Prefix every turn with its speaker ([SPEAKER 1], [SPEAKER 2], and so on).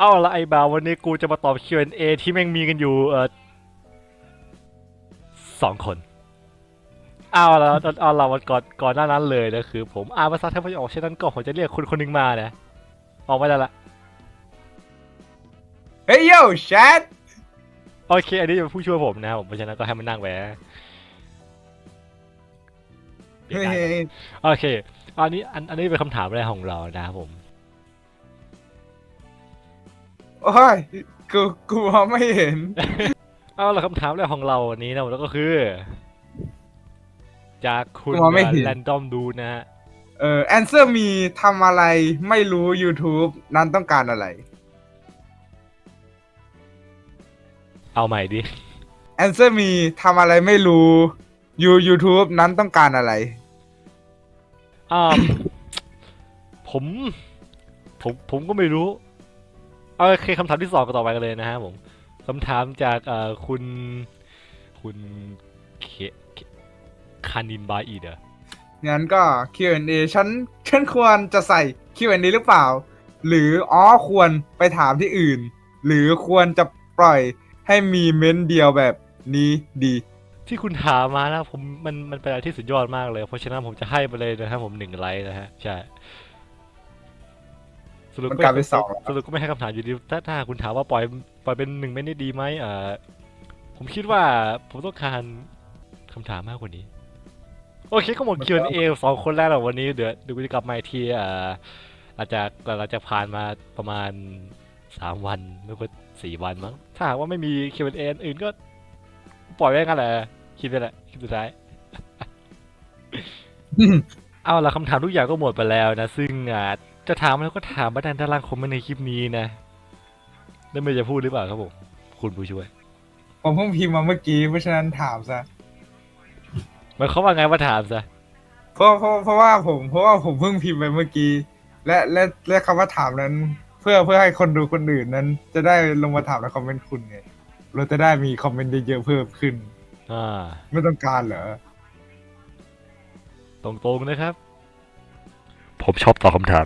[SPEAKER 1] เอาละไอ้บ่าววันนี้กูจะมาตอบ Q&A ที่แม่งมีกันอยู่2 คนเอาละวันก่อนหน้านั้นเลยนะคือผมอ่านภาษาไทยไม่ออกฉะนั้นก็ผมจะเรียกคนคนหนึ่งมานะออกมาได้ละ
[SPEAKER 2] เฮ้ยโย่แชท
[SPEAKER 1] โอเคอันนี้จะเป็นผู้ช่วยผมนะครับผมเพราะฉะนั้นก็ให้มันนั่งไว้เปลี่ยน
[SPEAKER 2] เฮ้
[SPEAKER 1] ได้
[SPEAKER 2] ย
[SPEAKER 1] โอเคอันนี้เป็นคำถามแรกของเรานะครับผม
[SPEAKER 2] โอ้ยกูมองไม่เห็น
[SPEAKER 1] เอาละคำถามแรกของเราวันนี้นะแล้วก็คือจากคุณ
[SPEAKER 2] กูมองไม่เห็น
[SPEAKER 1] แรนดอมดูนะฮะ
[SPEAKER 2] แอนเซอร์มีทำอะไรไม่รู้ YouTube นั้นต้องการอะไร
[SPEAKER 1] เอาใหม่ดิ
[SPEAKER 2] แอนเซอร์มีทำอะไรไม่รู้ YouTube นั้นต้องการอะไร
[SPEAKER 1] อ่า ผมผมก็ไม่รู้โอเคคำถามที่สองก็ต่อไปกันเลยนะฮะผมคำถามจากคุณเคเคคานินบาอีเดอ
[SPEAKER 2] งั้นก็ Q&A ฉันควรจะใส่ Q&A หรือเปล่า หรือควรไปถามที่อื่น หรือควรจะปล่อยให้มีเม้นต์เดียวแบบนี้ดี
[SPEAKER 1] ที่คุณถามมานะผมมันเป็นอะไรที่สุดยอดมากเลยเพราะฉะนั้นผมจะให้ไปเลยนะครับผม1 ไลค์นะฮะใช่สรุป
[SPEAKER 2] มัน
[SPEAKER 1] ก็
[SPEAKER 2] กลายเป็น2แล้ว
[SPEAKER 1] สรุปก็ไม่ให้คำถามอยู่ดีถ้าคุณถามว่าปล่อยเป็น1 เมนต์ได้ดีไหมผมคิดว่าผมต้องการคำถามมากกว่านี้โอเคก็หมด Q&A 2 คนแรกแล้ววันนี้เดี๋ยวกูจะกลับมาอีกทีหลังจากผ่านมาประมาณ3 วันไม่ก็4 วันมั้งถ้าหากว่าไม่มี Q&A อื่นก็ปล่อยไว้งั้นแหละคิดไปแหละคิดสุดท้าย เอาละคำถามทุกอย่างก็หมดไปแล้วนะซึ่งจะถามแล้วก็ถามมาในด้านล่างคอมเมนต์ในคลิปนี้นะแล้วไม่จะพูดหรือเปล่าครับผมคุณผู้ช่วย
[SPEAKER 2] ผมเพิ่งพิมพ์มาเมื่อกี้เพราะฉะนั้นถามซะ
[SPEAKER 1] หมายความว่าไงว่าถามซะ
[SPEAKER 2] เพราะว่าผมเพิ่งพิมพ์ไปเมื่อกี้และคำว่าถามนั้น เพื่อให้คนดูคนอื่นนั้น จะได้ลงมาถามในคอมเมนต์คุณไงเราจะได้มีคอมเมนต์เยอะๆเพิ่มขึ้น
[SPEAKER 1] อ่า
[SPEAKER 2] ไม่ต้องการเหรอ
[SPEAKER 1] ตรงๆนะครับ ผมชอบตอบคำถาม